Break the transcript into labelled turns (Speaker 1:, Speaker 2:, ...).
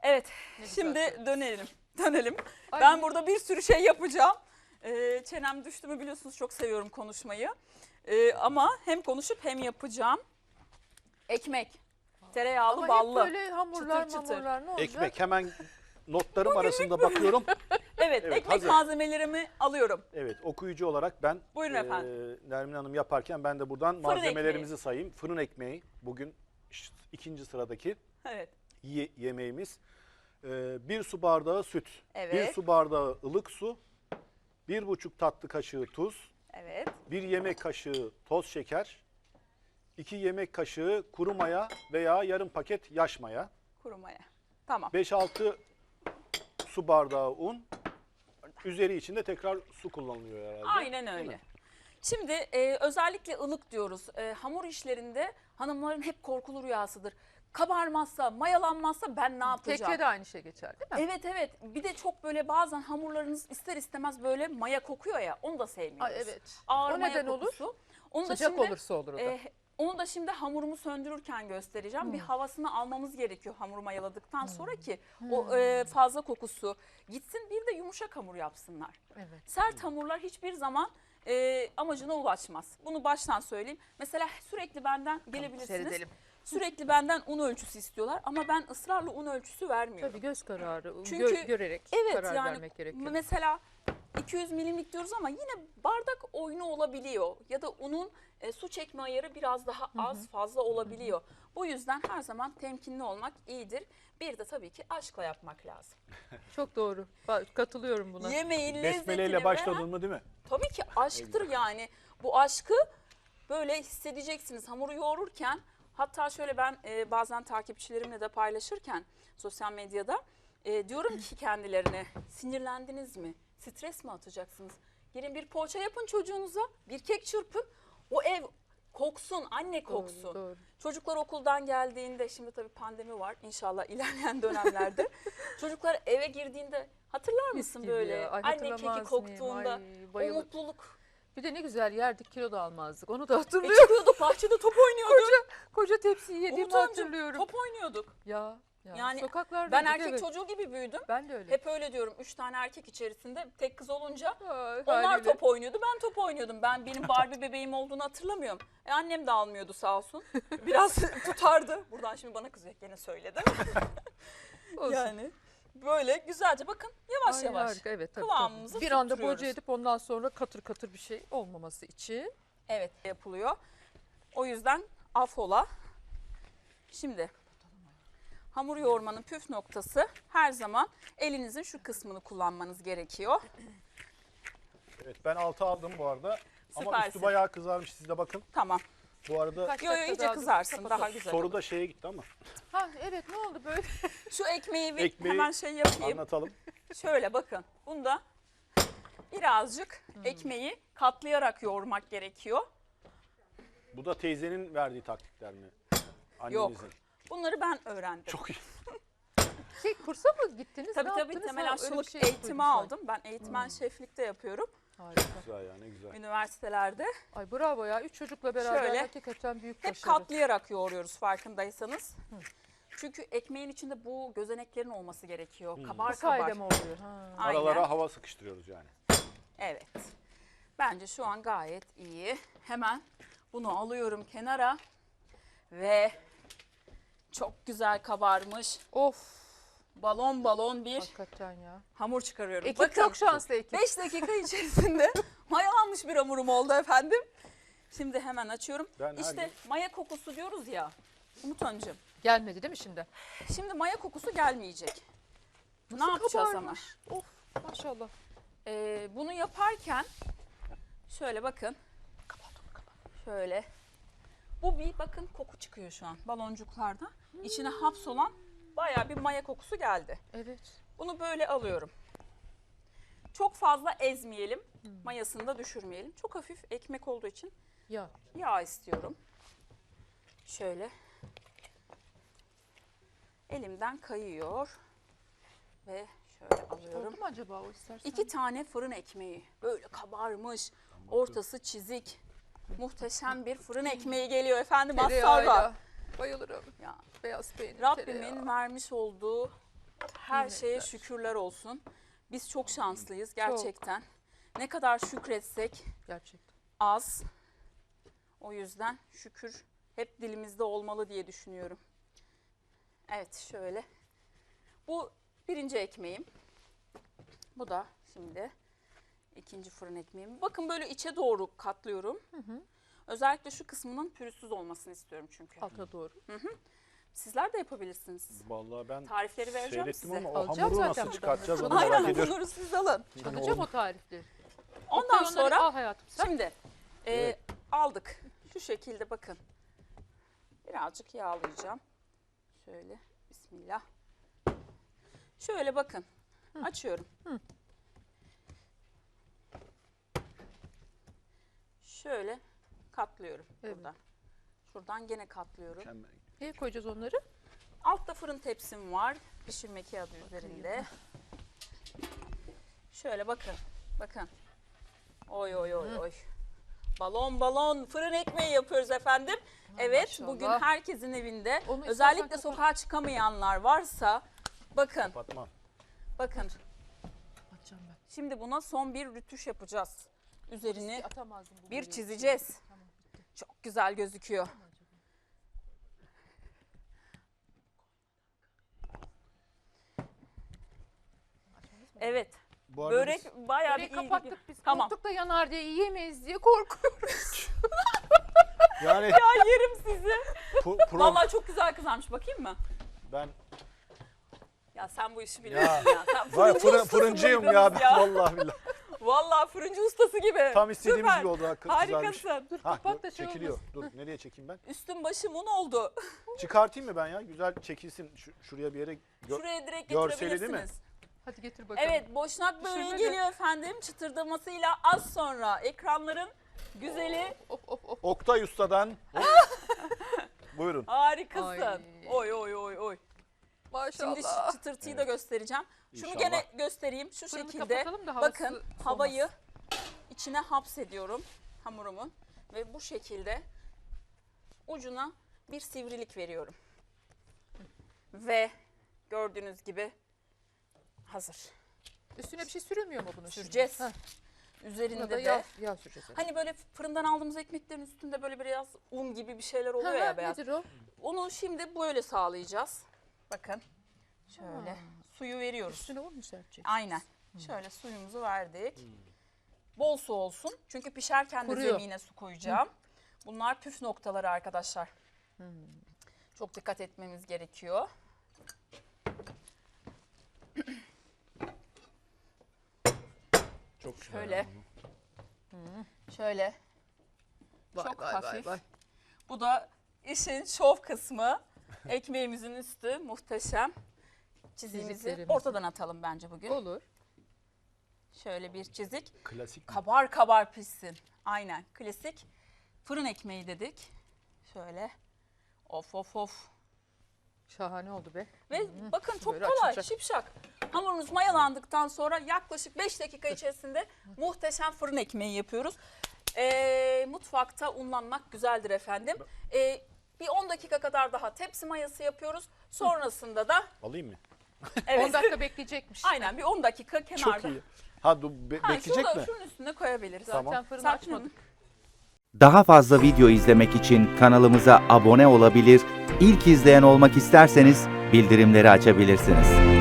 Speaker 1: Evet,
Speaker 2: Ne güzel
Speaker 1: şimdi
Speaker 2: söylediniz.
Speaker 1: dönelim.
Speaker 2: Ay,
Speaker 1: Ben burada bir sürü şey yapacağım. Çenem düştü mü biliyorsunuz, çok seviyorum konuşmayı. Ama hem konuşup hem yapacağım. Ekmek, tereyağlı,
Speaker 2: Ama hep
Speaker 1: ballı.
Speaker 2: böyle hamurlar
Speaker 1: çıtır çıtır.
Speaker 2: mamurlar ne olacak?
Speaker 3: Ekmek hemen notlarım arasında bakıyorum.
Speaker 1: Evet,
Speaker 3: Evet,
Speaker 1: ekmek
Speaker 3: hazır.
Speaker 1: malzemelerimi alıyorum.
Speaker 3: Evet, okuyucu olarak ben
Speaker 1: Buyurun efendim.
Speaker 3: Nermin Hanım yaparken ben de buradan malzemelerimizi sayayım. Fırın ekmeği bugün ikinci sıradaki
Speaker 1: Evet,
Speaker 3: yemeğimiz. 1 su bardağı süt,
Speaker 1: Evet.
Speaker 3: 1 su bardağı ılık su, 1,5 tatlı kaşığı tuz,
Speaker 1: evet.
Speaker 3: 1 yemek kaşığı toz şeker, 2 yemek kaşığı kuru maya veya yarım paket yaş maya,
Speaker 1: Kuru maya. Tamam.
Speaker 3: 5-6 su bardağı un, üzeri için de tekrar su kullanılıyor herhalde.
Speaker 1: Aynen
Speaker 3: Değil
Speaker 1: öyle.
Speaker 3: mi?
Speaker 1: Şimdi özellikle ılık diyoruz. Hamur işlerinde hanımların hep korkulu rüyasıdır. Kabarmazsa, mayalanmazsa ben ne yapacağım?
Speaker 2: Kekke de aynı şey geçer değil mi?
Speaker 1: Evet evet. Bir de çok böyle bazen hamurlarınız ister istemez böyle maya kokuyor ya, onu da sevmiyoruz.
Speaker 2: Ay, evet.
Speaker 1: Ağır
Speaker 2: O
Speaker 1: maya
Speaker 2: neden olur?
Speaker 1: kokusu. Onu da
Speaker 2: Sıcak
Speaker 1: şimdi,
Speaker 2: olursa olur o da.
Speaker 1: onu da şimdi hamurumu söndürürken göstereceğim. Bir havasını almamız gerekiyor hamuru mayaladıktan sonra ki o fazla kokusu gitsin. Bir de yumuşak hamur yapsınlar.
Speaker 2: Evet.
Speaker 1: Sert hamurlar hiçbir zaman amacına ulaşmaz. Bunu baştan söyleyeyim. Mesela sürekli benden gelebilirsiniz.
Speaker 2: Seyredelim.
Speaker 1: Sürekli benden un ölçüsü istiyorlar ama ben ısrarla un ölçüsü vermiyorum.
Speaker 2: Tabii göz kararı,
Speaker 1: Çünkü
Speaker 2: görerek
Speaker 1: Evet,
Speaker 2: karar
Speaker 1: yani
Speaker 2: vermek gerekiyor.
Speaker 1: mesela 200 milimlik diyoruz ama yine bardak oyunu olabiliyor. Ya da unun su çekme ayarı biraz daha az fazla olabiliyor. Bu yüzden her zaman temkinli olmak iyidir. Bir de tabii ki aşkla yapmak lazım.
Speaker 2: Çok doğru. Katılıyorum buna.
Speaker 1: Yemeğin lezzetini
Speaker 3: Besmeleyle
Speaker 1: veren
Speaker 3: başladın mı değil mi?
Speaker 1: tabii ki aşktır yani. Bu aşkı böyle hissedeceksiniz hamuru yoğururken. Hatta şöyle ben bazen takipçilerimle de paylaşırken sosyal medyada diyorum ki kendilerine, sinirlendiniz mi? Stres mi atacaksınız? Gelin bir poğaça yapın çocuğunuza, bir kek çırpın. O ev koksun, anne koksun.
Speaker 2: Doğru, doğru.
Speaker 1: Çocuklar okuldan geldiğinde, şimdi tabii pandemi var inşallah ilerleyen dönemlerde. Çocuklar eve girdiğinde hatırlar mısın
Speaker 2: gibi
Speaker 1: böyle
Speaker 2: ya. Ay,
Speaker 1: anne keki
Speaker 2: hatırlamaz
Speaker 1: koktuğunda
Speaker 2: mıyım? Ay,
Speaker 1: o
Speaker 2: bayılırım.
Speaker 1: mutluluk.
Speaker 2: Bir de ne güzel yerdik, kilo da almazdık. Onu da hatırlıyorum.
Speaker 1: Çıkıyorduk bahçede top oynuyorduk.
Speaker 2: Koca tepsiyi yediğimi
Speaker 1: Umut amcım,
Speaker 2: hatırlıyorum.
Speaker 1: top oynuyorduk.
Speaker 2: Ya
Speaker 1: Yani
Speaker 2: sokaklarda.
Speaker 1: Ben erkek çocuğu gibi büyüdüm.
Speaker 2: Ben de öyle.
Speaker 1: Hep öyle diyorum. 3 tane erkek içerisinde tek kız olunca
Speaker 2: Ay,
Speaker 1: onlar
Speaker 2: haliyle.
Speaker 1: top oynuyordu. Ben top oynuyordum. Benim Barbie bebeğim olduğunu hatırlamıyorum. Annem de almıyordu sağ olsun. Biraz tutardı. Buradan şimdi bana kızıyor. Gene söyledim.
Speaker 2: Olsun.
Speaker 1: Yani böyle güzelce bakın yavaş
Speaker 2: Ay,
Speaker 1: yavaş.
Speaker 2: harika, evet, tabii,
Speaker 1: kıvamımızı
Speaker 2: tabii. Bir anda
Speaker 1: tutturuyoruz.
Speaker 2: boca edip ondan sonra katır katır bir şey olmaması için.
Speaker 1: Evet yapılıyor. O yüzden affola. Şimdi hamur yoğurmanın püf noktası her zaman elinizin şu kısmını kullanmanız gerekiyor.
Speaker 3: Evet, ben 6 aldım bu arada. Ama
Speaker 1: Süpersin.
Speaker 3: üstü bayağı kızarmış, siz de bakın.
Speaker 1: Tamam.
Speaker 3: Bu arada
Speaker 2: Kaç
Speaker 1: Yo yo
Speaker 2: dakika
Speaker 1: iyice
Speaker 2: daha
Speaker 1: kızarsın
Speaker 2: kapatalım.
Speaker 1: daha güzel.
Speaker 3: soru
Speaker 1: olur.
Speaker 3: da şeye gitti ama
Speaker 2: Ha evet, ne oldu böyle?
Speaker 1: Şu ekmeği bir
Speaker 3: Ekmeği
Speaker 1: hemen şey yapayım.
Speaker 3: anlatalım.
Speaker 1: Şöyle bakın. Bunda birazcık ekmeği katlayarak yoğurmak gerekiyor.
Speaker 3: Bu da teyzenin verdiği taktikler mi?
Speaker 1: Yok.
Speaker 3: Annenizin.
Speaker 1: Güzel ben öğrendim.
Speaker 3: Çok iyi.
Speaker 2: Kursa mı gittiniz?
Speaker 1: Tabii
Speaker 2: ne
Speaker 1: tabii
Speaker 2: yaptınız?
Speaker 1: temel
Speaker 2: Ha, öyle bir
Speaker 1: aşçılık
Speaker 2: şey duydum
Speaker 1: eğitimi
Speaker 2: sanki.
Speaker 1: aldım. Ben eğitmen şeflikte yapıyorum
Speaker 2: Harika.
Speaker 3: Güzel ya, ne güzel.
Speaker 1: üniversitelerde.
Speaker 2: Ay bravo ya. 3 çocukla beraber
Speaker 1: Şöyle,
Speaker 2: hakikaten büyük
Speaker 1: Hep
Speaker 2: başarı.
Speaker 1: katlayarak yoğuruyoruz farkındaysanız. Çünkü ekmeğin içinde bu gözeneklerin olması gerekiyor. Kabar
Speaker 2: Bu sayede
Speaker 1: kabar.
Speaker 2: mi oluyor? Ha.
Speaker 1: Aynen.
Speaker 3: Aralara hava sıkıştırıyoruz yani.
Speaker 1: Evet. Bence şu an gayet iyi. Hemen bunu alıyorum kenara ve çok güzel kabarmış
Speaker 2: Of.
Speaker 1: balon balon bir
Speaker 2: Hakikaten ya.
Speaker 1: hamur çıkarıyorum.
Speaker 2: Ekip
Speaker 1: Bakın
Speaker 2: çok şanslı ekip.
Speaker 1: 5 dakika içerisinde mayalanmış bir hamurum oldu efendim. Şimdi hemen açıyorum.
Speaker 3: Ben her
Speaker 1: İşte maya kokusu diyoruz ya Umut Hanımcığım.
Speaker 2: Gelmedi değil mi şimdi?
Speaker 1: Şimdi maya kokusu gelmeyecek.
Speaker 2: Nasıl
Speaker 1: ne yapacağız
Speaker 2: kabarmış? Of maşallah.
Speaker 1: Bunu yaparken şöyle bakın. Şöyle. Bu bir bakın koku çıkıyor şu an baloncuklarda. İçine hapsolan bayağı bir maya kokusu geldi.
Speaker 2: Evet.
Speaker 1: Bunu böyle alıyorum. Çok fazla ezmeyelim. Mayasını da düşürmeyelim. Çok hafif ekmek olduğu için
Speaker 2: Ya.
Speaker 1: yağ istiyorum. Şöyle. Elimden kayıyor. Ve şöyle alıyorum.
Speaker 2: Oldu mu acaba o istersen?
Speaker 1: 2 tane fırın ekmeği. Böyle kabarmış. Ortası çizik. Muhteşem bir fırın ekmeği geliyor efendim. Asla.
Speaker 2: Tereyağıyla. Bayılırım.
Speaker 1: Ya,
Speaker 2: Beyaz peynir,
Speaker 1: Rabbimin
Speaker 2: tereyağı.
Speaker 1: vermiş olduğu Her şeye şükürler olsun. Biz çok şanslıyız gerçekten. Ne kadar şükretsek
Speaker 2: Gerçekten.
Speaker 1: az. O yüzden şükür hep dilimizde olmalı diye düşünüyorum. Evet şöyle. Bu birinci ekmeğim. Bu da şimdi ikinci fırın ekmeğim. Bakın böyle içe doğru katlıyorum. Özellikle şu kısmının pürüzsüz olmasını istiyorum çünkü.
Speaker 2: Alta doğru.
Speaker 1: Sizler de yapabilirsiniz.
Speaker 3: Vallahi ben
Speaker 1: Tarifleri vereceğim
Speaker 3: seyrettim
Speaker 1: size.
Speaker 3: ama o
Speaker 2: Alacağım
Speaker 3: hamuru
Speaker 2: zaten
Speaker 3: nasıl
Speaker 2: buradan.
Speaker 3: çıkartacağız onu
Speaker 2: Aynen,
Speaker 3: merak
Speaker 1: Aynen
Speaker 3: ediyorum.
Speaker 1: bunları siz alın.
Speaker 2: Alacağım o tarifleri.
Speaker 1: Ondan
Speaker 2: Onları
Speaker 1: sonra
Speaker 2: al hayatım sen.
Speaker 1: şimdi
Speaker 3: Evet.
Speaker 1: aldık. Şu şekilde bakın. Birazcık yağlayacağım. Şöyle bismillah. Şöyle bakın. Açıyorum. Şöyle katlıyorum
Speaker 2: Evet.
Speaker 1: buradan. Şuradan gene katlıyorum.
Speaker 3: Mükemmel.
Speaker 2: Neye koyacağız onları?
Speaker 1: Altta fırın tepsim var. Pişirme kağıdı üzerinde. Şöyle bakın. Bakın. Oy oy oy oy. Balon balon fırın ekmeği yapıyoruz efendim. Evet
Speaker 2: maşallah.
Speaker 1: bugün herkesin evinde
Speaker 2: Onu
Speaker 1: özellikle
Speaker 2: istersen
Speaker 1: sokağa çıkamayanlar varsa bakın
Speaker 3: Kapatmam.
Speaker 1: bakın.
Speaker 2: Atacağım ben.
Speaker 1: Şimdi buna son bir rütüş yapacağız. Üzerini
Speaker 2: Atamazdım bu
Speaker 1: bir
Speaker 2: boyu.
Speaker 1: çizeceğiz.
Speaker 2: Tamam, bitti.
Speaker 1: Çok güzel gözüküyor. Evet.
Speaker 3: Bu arada
Speaker 1: Börek bayağı
Speaker 2: Böreği
Speaker 1: bir ilgi.
Speaker 2: kapattık biz.
Speaker 1: Tamam.
Speaker 2: Korktuk da yanar diye yiyemeyiz diye korkuyoruz.
Speaker 3: yani
Speaker 1: Ya yerim sizi.
Speaker 3: pro-
Speaker 1: Vallahi çok güzel kızarmış. Bakayım mı?
Speaker 3: ben
Speaker 1: Ya sen bu işi biliyorsun ya. Sen
Speaker 3: vay
Speaker 1: fırıncı ustasın
Speaker 3: fırıncıyım ya,
Speaker 1: yalnız
Speaker 3: vallahi billahi.
Speaker 1: Vallahi fırıncı ustası gibi.
Speaker 3: Tam istediğimiz
Speaker 1: Süper.
Speaker 3: gibi oldu. Güzelmiş.
Speaker 1: Harikasın.
Speaker 2: Dur
Speaker 3: Ha,
Speaker 2: kapat da şey
Speaker 3: çekiliyor.
Speaker 2: olmasın.
Speaker 3: Dur nereye çekeyim ben?
Speaker 1: Üstün başım un oldu.
Speaker 3: Çıkartayım mı ben ya? Güzel çekilsin şuraya bir yere.
Speaker 1: Şuraya direkt
Speaker 3: görseli değil mi?
Speaker 1: getirebilirsiniz.
Speaker 2: Hadi getir bakalım.
Speaker 1: Evet, boşnak böreği
Speaker 2: Pişirme de.
Speaker 1: geliyor efendim. Çıtırdamasıyla az sonra ekranların güzeli.
Speaker 2: Of of of.
Speaker 3: Oktay Usta'dan. Buyurun.
Speaker 1: Harikasın.
Speaker 2: Ay.
Speaker 1: Oy oy oy oy.
Speaker 2: Maşallah.
Speaker 1: Şimdi şu çıtırtıyı da göstereceğim. Şunu
Speaker 3: İnşallah.
Speaker 1: gene göstereyim şu
Speaker 2: Fırını
Speaker 1: şekilde.
Speaker 2: kapatalım da havası
Speaker 1: Bakın
Speaker 2: soğumasın.
Speaker 1: havayı içine hapsediyorum hamurumun ve bu şekilde ucuna bir sivrilik veriyorum. Ve gördüğünüz gibi hazır.
Speaker 2: Üstüne bir şey sürülmüyor mu bunun?
Speaker 1: Süreceğiz.
Speaker 2: Şimdi? Heh, buna
Speaker 1: Üzerinde
Speaker 2: da
Speaker 1: de
Speaker 2: yağ süreceğiz.
Speaker 1: hani böyle fırından aldığımız ekmeklerin üstünde böyle biraz un gibi bir şeyler oluyor
Speaker 2: Ha,
Speaker 1: ya beyaz.
Speaker 2: nedir o?
Speaker 1: Onu şimdi böyle sağlayacağız. Bakın şöyle suyu veriyoruz.
Speaker 2: Üstüne un mu serpecek?
Speaker 1: Aynen. Şöyle suyumuzu verdik. Bol su olsun. Çünkü pişerken de
Speaker 2: Kuruyor.
Speaker 1: zemine su koyacağım. Bunlar püf noktaları arkadaşlar. Çok dikkat etmemiz gerekiyor.
Speaker 3: Çok güzel.
Speaker 1: Şöyle. Şöyle.
Speaker 2: Vay,
Speaker 1: Çok
Speaker 2: vay,
Speaker 1: hafif.
Speaker 2: Vay, vay.
Speaker 1: Bu da işin şov kısmı. Ekmeğimizin üstü muhteşem. Çizimizi
Speaker 2: Çiziklerimizi.
Speaker 1: ortadan atalım bence bugün.
Speaker 2: Olur.
Speaker 1: Şöyle bir çizik.
Speaker 3: Klasik.
Speaker 1: Kabar kabar pişsin. Aynen. Klasik fırın ekmeği dedik. Şöyle. Of of of.
Speaker 2: Şahane oldu be.
Speaker 1: Ve bakın çok
Speaker 2: Böyle
Speaker 1: kolay,
Speaker 2: açılacak.
Speaker 1: şipşak. Hamurunuz mayalandıktan sonra yaklaşık 5 dakika içerisinde muhteşem fırın ekmeği yapıyoruz. Mutfakta unlanmak güzeldir efendim. Bir 10 dakika kadar daha tepsi mayası yapıyoruz. Sonrasında da
Speaker 3: Alayım mı?
Speaker 2: 10
Speaker 1: evet.
Speaker 2: dakika bekleyecekmiş.
Speaker 1: Aynen bir 10 dakika kenarda.
Speaker 3: Çok iyi. Ha bekleyecek
Speaker 1: şurada,
Speaker 3: mi?
Speaker 1: şunun üstüne koyabiliriz.
Speaker 3: Tamam.
Speaker 2: Zaten fırını
Speaker 1: Serpil
Speaker 2: açmadık.
Speaker 4: Daha fazla video izlemek için kanalımıza abone olabilir, ilk izleyen olmak isterseniz bildirimleri açabilirsiniz.